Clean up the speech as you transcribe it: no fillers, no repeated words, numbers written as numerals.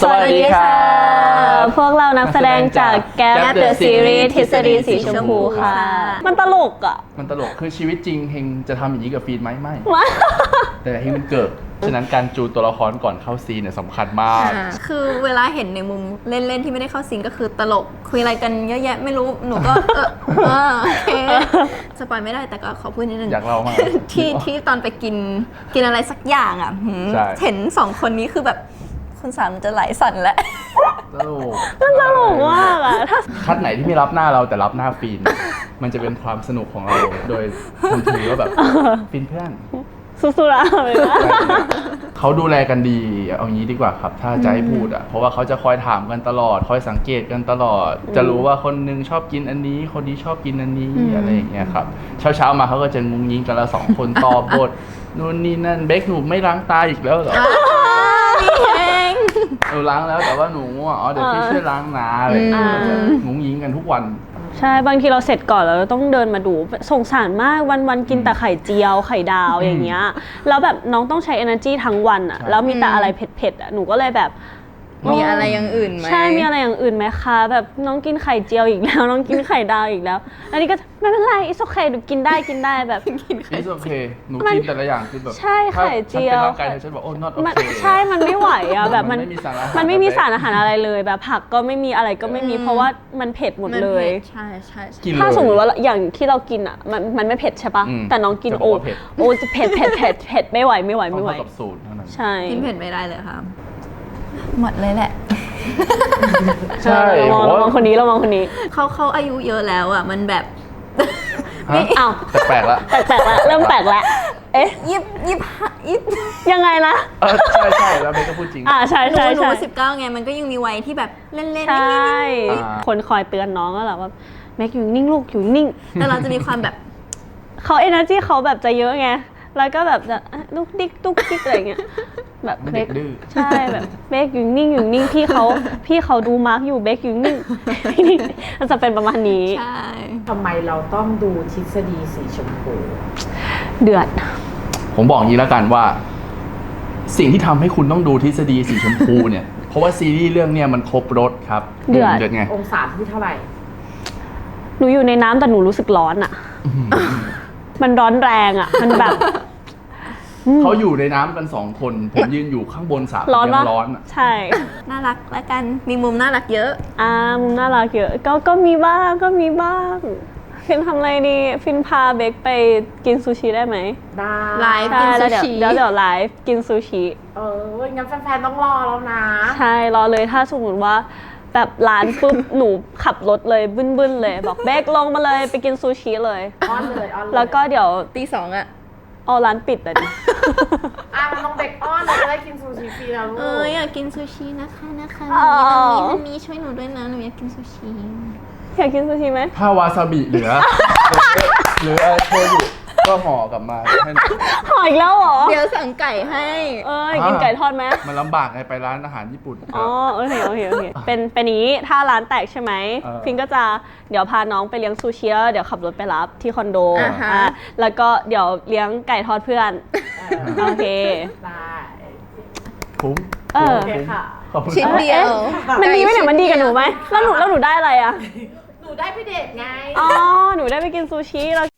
สวัสดีค่ะพวกเรานักแสดงจากแก๊ป Gap เด The อะซีรีส์ Series ทฤษฎีสีชมพูค่ะ มันตลกอ่ะมันตลกคือชีวิตจริงเฮงจะทำอย่างนี้กับฟีนไหมไม่ แต่เฮงมันเกิด ฉะนั้นการจูนตัวละครก่อนเข้าซีนเนี่ยสำคัญมากคือเวลาเห็นในมุมเล่นๆที่ไม่ได้เข้าซีนก็คือตลกคุยอะไรกันเยอะแยะไม่รู้หนูก็โอเคสปอยไม่ได้แต่ก็ขอพูดนิดนึงอยากเล่ามากที่ตอนไปกินอะไรสักอย่างอ่ะใช่เห็นสองคนนี้คือแบบคุณสามจะไหลสั่นแล้วตลกมันตลกมากอ่ะถ้าคัดไหนที่ไม่รับหน้าเราแต่รับหน้าฟีน มันจะเป็นความสนุกของเราโดยทันทีว่าแบบฟีนเพื่อนสุดๆอะเลยนะเขาดูแลกันดีเอางี้ดีกว่าครับถ้าจะให้พูดอ่ะเพราะว่าเขาจะคอยถามกันตลอดคอยสังเกตกันตลอด จะรู้ว่าคนนึงชอบกินอันนี้คนนี้ชอบกินอันนี้อะไรอย่างเงี้ยครับเช้ามาเขาก็จะงุ้งยิงกันละสองคนตอบบทนู่นนี่นั่นเบคหนูไม่ล้างตาอีกแล้วเหรอพี่เองหนูล้างแล้วแต่ว่าหนูง่วงเดี๋ยวพี่ช่วยล้างนะอะไรอย่างเงี้ยจะงุ้งยิงกันทุกวันใช่บางทีเราเสร็จก่อนแล้วเราต้องเดินมาดูสงสารมากวันๆกินแต่ไข่เจียวไข่ดาวอย่างเงี้ยแล้วแบบน้องต้องใช้ energy ทั้งวันอ่ะใช่แล้วมีแต่อะไรเผ็ดๆอ่ะหนูก็เลยแบบมีอะไรอย่างอื่นไหมใช่มีอะไรอย่างอื่นไหมคะแบบน้องกินไข่เจียวอีกแล้ว น้องกินไข่ดาวอีกแล้วอันนี้ก็ไม่เป็นไร it's okay หนูกินได้แบบ It's okay หนูกินแต่ละอย่างคือแบบใช่ไข่เจียวถ้าฉันเป็นร่างกายเธอฉันบอกโอ้ not มัน okay ใช่มันไม่ไหวอ่ะแบบมันไม่มีสารอาหารมันไม่มีสารอาหารอะไรเลยแบบผักก็ไม่มีอะไรก็ไม่มีเพราะว่ามันเผ็ดหมดเลยใช่ใช่กินถ้าเลยสมมติว่าอย่างที่เรากินอ่ะมันไม่เผ็ดใช่ปะอืมแต่น้องกินจะบโอ้อกว่าเผ็ดโอ้จะเผ็ดไม่ไหวต้องเข้ากับสูตรเท่านั้นใช่กินเผ็ดไม่ได้เลยค่ะหมดเลยแหละใช่ระวังคนนี้เขาอายุเยอะแล้วอ่ะมันแบบฮะอ้าวแปลกๆละแปลกๆแล้วเริ่มแปลกแล้วเอ๊ะ 25 ยังไงนะใช่แล้วเบคก็พูดจริงใช่หนู19ไงมันก็ยังมีวัยที่แบบเล่นๆใช่อ่าคนคอยเตือนน้องก็แหละว่าแม็กอยู่นิ่งลูกอยู่นิ่งแต่เราจะมีความแบบเขา energy เขาแบบจะเยอะไง แล้วก็แบบจะลุกดิ๊กอะไรเงี้ย แบบมันเด็กดื้อใช่แบบเบกอยู่นิ่งพี่เขาดูมาร์กอยู่เบกอยู่นิ่ง มันจะเป็นประมาณนี้ใช่ทำไมเราต้องดูทฤษฎีสีชมพูเดือดผมบอกอย่างนี้แล้วกันว่า สิ่งที่ทำให้คุณต้องดูทฤษฎีสีชมพูเนี่ย เพราะว่าซีรีส์เรื่องเนี้ยมันครบรสครับเดือดไงองศาที่เท่าไหร่หนูอยู่ในน้ำแต่หนูรู้สึกร้อนอ่ะ มันร้อนแรงอ่ะ มันแบบเขาอยู่ในน้ำกัน2 คน ผมยืนอยู่ข้างบนสระร้อนยัปะงร้อนอะใช่น่ารักและกันมีมุมน่ารักเยอะมุมน่ารักเยอะก็มีบ้างฟินทำอะไรดีฟินพาเบกไปกินซูชิได้ไหมได้ไลฟ์ใช่แล้วกินซูชิเดี๋ยวไลฟ์กินซูชิงั้นแฟนๆต้องรอแล้วนะใช่รอเลยถ้าสมมติว่าแบบร้านปุ๊บ หนูขับรถเลยบึ้นๆเลย บอกเบกลงมาเลยไปกินซูชิเลยอ้อนเลยแล้วก็เดี๋ยวตี 2อ่ะเอาร้านปิดอ่ะดิมันต้องเบกอ้อนเราจะได้กินซูชิฟรีแล้วลูกอยากกินซูชินะคะอ๋ออันนี้ช่วยหนูด้วยนะหนูอยากกินซูชิอยากกินซูชิไหมถ้าวาซาบิเหลือ หรืออะไรโชยุก็ห่อกลับมาให้หน่อยหออีกแล้วเหรอเดี๋ยวสั่งไก่ให้กินไก่ทอดไหมมันลำบากไงไปร้านอาหารญี่ปุ่นอ๋อโอเคเป็นนี้ถ้าร้านแตกใช่ไหม ฟินก็จะเดี๋ยวพาน้องไปเลี้ยงซูชิแล้วเดี๋ยวขับรถไปรับที่คอนโดอ่าฮะแล้วก็เดี๋ยวเลี้ยงไก่ทอดเพื่อน โอเคได้คุ้มเออโอเคค่ะขอบคุณชิ้นครับเดียวมันดีไหมเนี่ยมันดีกับหนูไหมแล้วหนูได้อะไรอ่ะหนูได้ไปเดทไงอ๋อ หนูได้ไปกินซูชิ แล้ว